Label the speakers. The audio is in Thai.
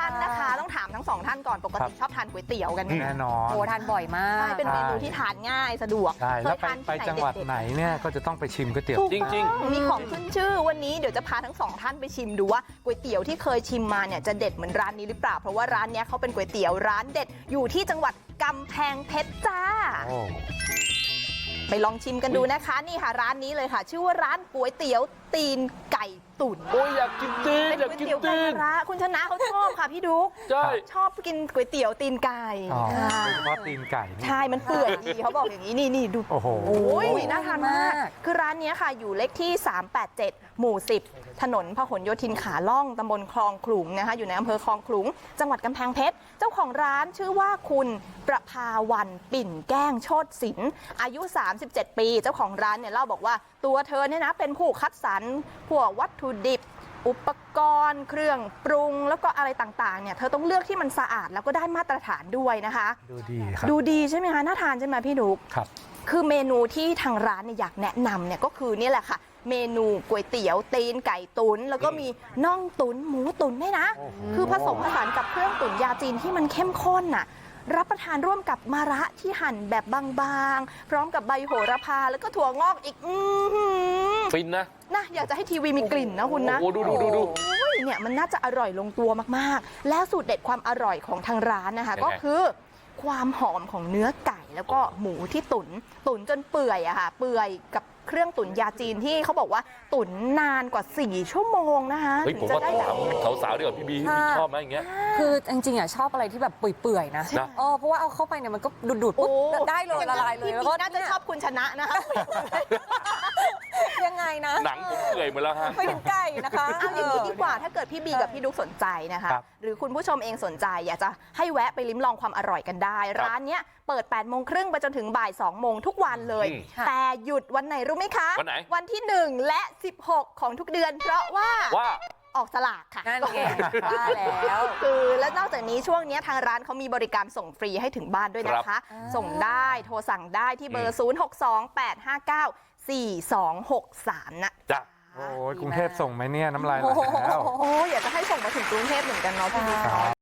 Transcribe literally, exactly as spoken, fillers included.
Speaker 1: านนะคะต้องถามทั้งสองท่านก่อนปกติชอบทานก๋วยเตี๋ยวกันไหม
Speaker 2: แน่นอน
Speaker 3: โอ้ทานบ่อยมาก
Speaker 1: ใช่เป็นเมนูที่ทานง่ายสะดวก
Speaker 2: ใช่แล้วไป
Speaker 1: ทาน
Speaker 2: ไป
Speaker 1: ที่
Speaker 2: จังหวัด
Speaker 1: เๆ
Speaker 2: ไหนเนี่ยก็จะต้องไปชิมก๋วยเตี๋ยว
Speaker 1: ถูก
Speaker 4: จริง
Speaker 1: ต้องมีของขึ้นชื่อวันนี้เดี๋ยวจะพาทั้งสองท่านไปชิมดูว่าก๋วยเตี๋ยวที่เคยชิมมาเนี่ยจะเด็ดเหมือนร้านนี้หรือเปล่าเพราะว่าร้านเนี้ยเขาเป็นก๋วยเตี๋ยวร้านเด็ดอยู่ที่จังหวัดกำแพงเพชรจ้า
Speaker 2: โอ้
Speaker 1: ไปลองชิมกันดูนะคะนี่ค่ะร้านนี้เลยค่ะ ชื่อว่าร้านก๋วยเตี๋ยวตีนไก่ตุ๋น
Speaker 4: โอ้ยอยากกินตีน
Speaker 1: เป็น
Speaker 4: อยาก
Speaker 1: ก๋วย
Speaker 4: กิน
Speaker 1: เตี๋ยวไก่
Speaker 4: ตีน
Speaker 1: มะระคุณชนะเขาชอบค่ะพี่ดุ๊ก
Speaker 4: ใช่
Speaker 1: ชอบกินก๋วยเตี๋ยวตีนไก่
Speaker 2: อ๋อ
Speaker 1: ค่ะ
Speaker 2: โดยเฉพาะตีนไก่นี่
Speaker 1: ใช่มันเปื่อยดีเขาบอกอย่างนี้นี่นี่ดู
Speaker 2: โอ้โห
Speaker 1: โอ้ยน่าทานมาก
Speaker 3: มาก
Speaker 1: คือร้านเนี้ยค่ะอยู่เลขที่สามแปดเจ็ดหมู่สิบถนนพหลโยธินขาล่องตำบลคลองขลุงนะคะอยู่ในอำเภอคลองขลุงจังหวัดกำแพงเพชรเจ้าของร้านชื่อว่าคุณประภาวันปิ่นแก้งโชติศิลป์อายุสามสิบเจ็ดปีเจ้าของร้านเนี่ยเล่าบอกว่าตัวเธอเนี่ยนะเป็นผู้คัดสรรพวกวัตถุดิบอุปกรณ์เครื่องปรุงแล้วก็อะไรต่างๆเนี่ยเธอต้องเลือกที่มันสะอาดแล้วก็ได้มาตรฐานด้วยนะคะ
Speaker 2: ดูดีครับ
Speaker 1: ดูดีใช่ไหมคะน่าทานใช่ไหมพี่นุ๊ก
Speaker 2: ครับ
Speaker 1: คือเมนูที่ทางร้านเนี่ยอยากแนะนำเนี่ยก็คือนี่แหละค่ะ เมนูก๋วยเตี๋ยวตีนไก่ตุ๋นแล้วก็มีน่องตุ๋นหมูตุ๋นด้วยนะ
Speaker 2: โอ้โห
Speaker 1: คือผสมผสานกับเครื่องตุ๋นยาจีนที่มันเข้มข้นน่ะรับประทานร่วมกับมะระที่หั่นแบบบางๆ พร้อมกับใบโหระพาแล้วก็ถั่วงอกอีกอือหือ
Speaker 4: ฟินนะ
Speaker 1: นะอยากจะให้ทีวีมีกลิ่นนะคุณนะ
Speaker 4: โอ้โหดูดูดูดู
Speaker 1: โอ้ยเนี่ยมันน่าจะอร่อยลงตัวมากๆ แล้วสูตรเด็ดความอร่อยของทางร้านนะคะ
Speaker 4: ยังไง
Speaker 1: ก็คือความหอมของเนื้อไก่แล้วก็หมูที่ตุนตุ๋นจนเปื่อยอะค่ะเปื่อยกับเครื่องตุ๋นยาจีนที่เขาบอกว่าตุ๋นนานกว่าสี่ชั่วโมงนะคะ
Speaker 4: เฮ้ยผม
Speaker 1: ถึง
Speaker 4: ว่า
Speaker 1: จะได้แบบ
Speaker 4: ถามสาวๆดีกว่าพี่บีพี่บีชอบไหมอย่างเงี้ย
Speaker 3: คือจริงๆอ่ะชอบอะไรที่แบบเปื่อยๆนะ
Speaker 4: นะ
Speaker 3: อ๋อเพราะว่าเอาเข้าไปเนี่ยมันก็ดูดๆปุ๊บ
Speaker 1: โอ้
Speaker 3: ได้เลยละลายเลย
Speaker 1: พี่
Speaker 3: แล้ว
Speaker 1: บี
Speaker 3: ก็
Speaker 1: น่าจะชอบคุณชนะนะคะ
Speaker 3: ยังไงนะ
Speaker 4: หนังผมเปื่อยหมาแล้วฮะ
Speaker 3: ไปถึงไก่นะคะ
Speaker 1: เอาอย่างนี้ดีกว่าถ้าเกิดพี่บีกับพี่ดุ๊กสนใจนะคะ
Speaker 2: ครับ
Speaker 1: หรือคุณผู้ชมเองสนใจอยากจะให้แวะไปลิ้มลองความอร่อยกันได้
Speaker 4: ครับ
Speaker 1: ร้านเนี้ยเปิดแปดโมงครึ่งไปจนถึงบ่ายสองโมงทุกวันเลย
Speaker 4: อืม
Speaker 3: ค่ะ
Speaker 1: แต่หยุดวันไหนรู้ไหมคะ
Speaker 4: วันไหน
Speaker 1: วันที่หนึ่งและสิบหกของทุกเดือน เพราะว่า
Speaker 4: ว่า
Speaker 1: ออกสลากค่ะ
Speaker 3: นั่นไงว่าแล้ว
Speaker 1: คือและนอกจากนี้ช่วงนี้ทางร้านเขามีบริการส่งฟรีให้ถึงบ้านด้วยนะ
Speaker 4: ครั
Speaker 1: คะ
Speaker 4: บ
Speaker 1: ส่งได้โทรสั่งได้ที่เบอร์ ศูนย์ หก สอง แปด ห้า เก้า สี่ สอง หก สาม นะ
Speaker 4: จ้ะ
Speaker 2: โอ้ยกรุงเทพส่งไหมเนี่ยน้ำลายไหลแล้ว
Speaker 1: โอ้ยอยากจะให้ส่งมาถึงกรุงเทพเหมือนกันเนาะพี่บิ๊ก
Speaker 2: ครับ